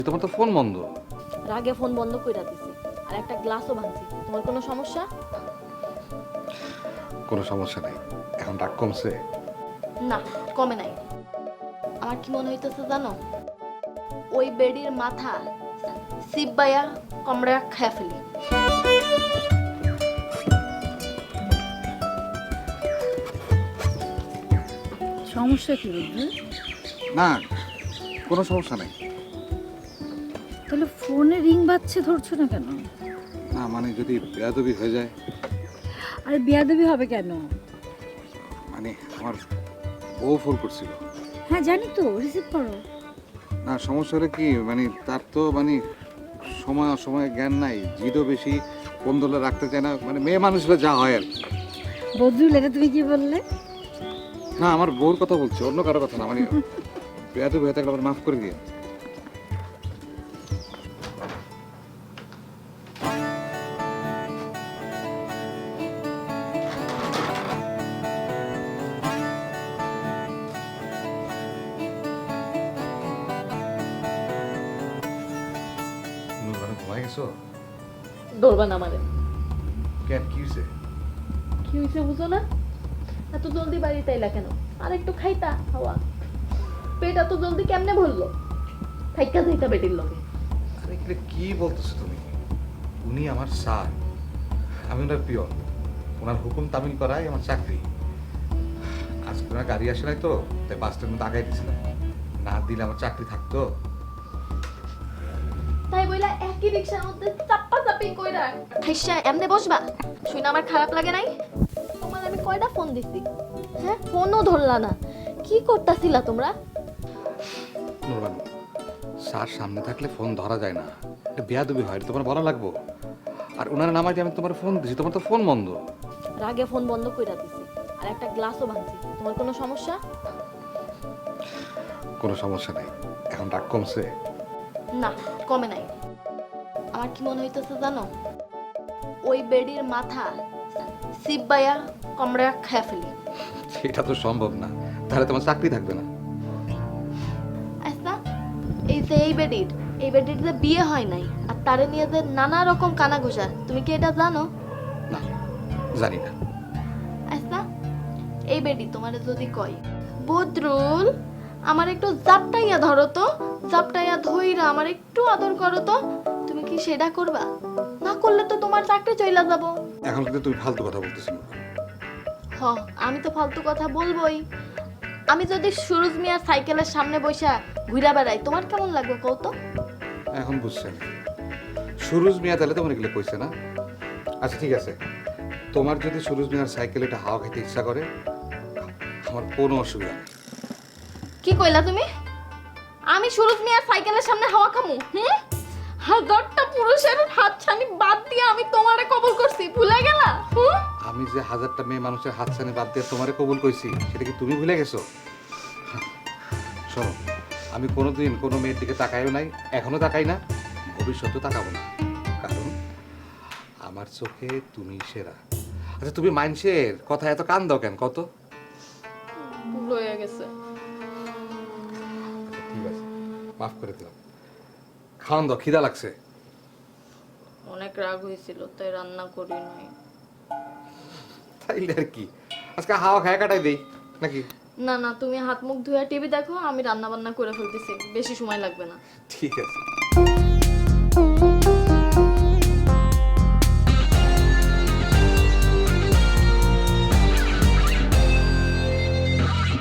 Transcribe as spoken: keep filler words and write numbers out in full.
তোমার তো ফোন বন্ধ। রাগে ফোন বন্ধ কইরা দিছি আর একটা গ্লাসও ভাঙছি। তোমার কোনো সমস্যা? কোনো সমস্যা নাই, এখন রাগ কমছে? না, কমে নাই। আমার কি মনে হইতেছে জানো, ওই বেডির মাথা সিব্বাইয়া কমড়া খেয়ে ফেলি। সমস্যা কি বুঝলি? না, কোনো সমস্যা নাই। তাহলে ফোনে রিং বাজছে, ধরছো না কেন? না মানে যদি বেয়াদবি হয়ে যায়। আরে বেয়াদবি হবে কেন? মানে আমার বউ ফোন করছিল। হ্যাঁ জানি তো, রিসিভ করো। না সমস্যা হলে কি, মানে তার তো মানে সময় অসময়ে জ্ঞান নাই, জিদও বেশি, ফোন ধরে রাখতে চায় না, মানে মেয়ে মানুষরা যা হয় আর কি। বদরুল, এটা তুমি কি বললে? না আমার বউর কথা বলছি, অন্য কারো কথা না। মানে বেয়াদবি হয়ে থাকলে আবার মাফ করে দিয়ে। ঘুমাই গেছো? ধরবা না আমারে। কেন, কি হয়েছে? কি হয়েছে বুঝো না? এত জলদি বাড়িতে এলা কেন? আর একটু খাইতা হাওয়া। পেট এত জলদি কেমনে ভরলো? থাইকা যাইতা বেটির লগে। আরে এগুলো কি বলতেছো তুমি? উনি আমার স্যার, আমি ওনার পিয়ন। ওনার হুকুম তামিল করাই আমার চাকরি। আজকে ওনার গাড়ি আসে নাই তো, তাই বাস স্ট্যান্ড মধ্যে আগাই দিয়েছিলাম। না দিলে আমার চাকরি থাকতো। তাই বইলা একই রিকশার মধ্যে চাপ্পা চাপি কইরা খাইসা এমনে বসবা? শুনে আমার খারাপ লাগে নাই? তোমার আমি কয়টা ফোন দিছি, হ্যাঁ ফোনও ধরলা না। কি করতাছিলা তোমরা? নুরবানু, স্যার সামনে থাকলে ফোন ধরা যায় না, এটা বেয়াদবি হয়, এটা তোমার বলা লাগবো। আর ওনার নামাই দিয়ে আমি তোমার ফোন দিছি, তোমার তো ফোন বন্ধ। রাগে ফোন বন্ধ কইরা দিছি আর একটা গ্লাসও ভাঙছি। তোমার কোনো সমস্যা? কোনো সমস্যা নাই, এখন রাগ কমছে? না, কমে নাই। আমার কি মনে হইতেছে জানো, ওই বেডির মাথা সিব্বাইয়া কমড়া খেয়ে ফেলি। এটা তো সম্ভব না, তাহলে তোমার চাকরি থাকবে না। আচ্ছা, এই যে এই বেডির এই বেডির যে বিয়ে হয় নাই আর তারে নিয়ে যে নানা রকম কানা ঘোষা, তুমি কি এটা জানো? না, জানি না। আচ্ছা, এই বেডি তোমারে যদি কয়, বদরুল আমার একটু জাপটাইয়া ধরো তো, জাপটাইয়া ধইরা আমার একটু আদর করো তো, তুমি কি সেটা করবা? না করলে তো তোমার চাকরি চইলা যাব। এখন কিন্তু তুমি ফালতু কথা বলতেছো। হ, আমি তো ফালতু কথা বলবোই। আমি যদি সুরজ মিয়ার সাইকেলের সামনে বসা ঘুরা বেড়াই, তোমার কেমন লাগবে কও তো? এখন বুঝছেন, সুরুজ মিয়া তাহলে তোমার এগুলো কইছে না? আচ্ছা ঠিক আছে, তোমার যদি সুরুজ মিয়ার সাইকেলে একটা হাওয়া খেতে ইচ্ছা করে, আমার কোনো অসুবিধা নেই। কি কইলা তুমি? আমি সুরজ মিয়ার সাইকেলের সামনে হাওয়া খামু? হুম, হাজারটা পুরুষের হাত ছানি বাদ দিয়ে আমি তোমারে কবুল করছি, ভুলে গেলা? হুম, আমি যে হাজারটা মেয়ে মানুষের হাত ছানি বাদ দিয়ে তোমারে কবুল কইছি, সেটা কি তুমি ভুলে গেছো? শোনো, আমি কোনোদিন কোনো মেয়ের দিকে তাকাইও নাই, এখনো তাকাই না, ভবিষ্যতেও তাকাবো না, কারণ আমার চোখে তুমি সেরা। আচ্ছা তুমি মানুষের কথা এত কান দাও কেন কত? ভুল হয়ে গেছে। আচ্ছা ঠিক আছে, মাফ করে দিলাম। খাওয়ান দাও, খিদা লাগছে। অনেক রাগ হয়েছিল তাই রান্না করি নাই। তাইলে আর কি, আজকে হাওয়া খায় কাটাই দেই নাকি? না না, তুমি হাত মুখ ধুয়ে টিভি দেখো, আমি রান্না বান্না করে ফেলতেছি, বেশি সময় লাগবে না। ঠিক আছে।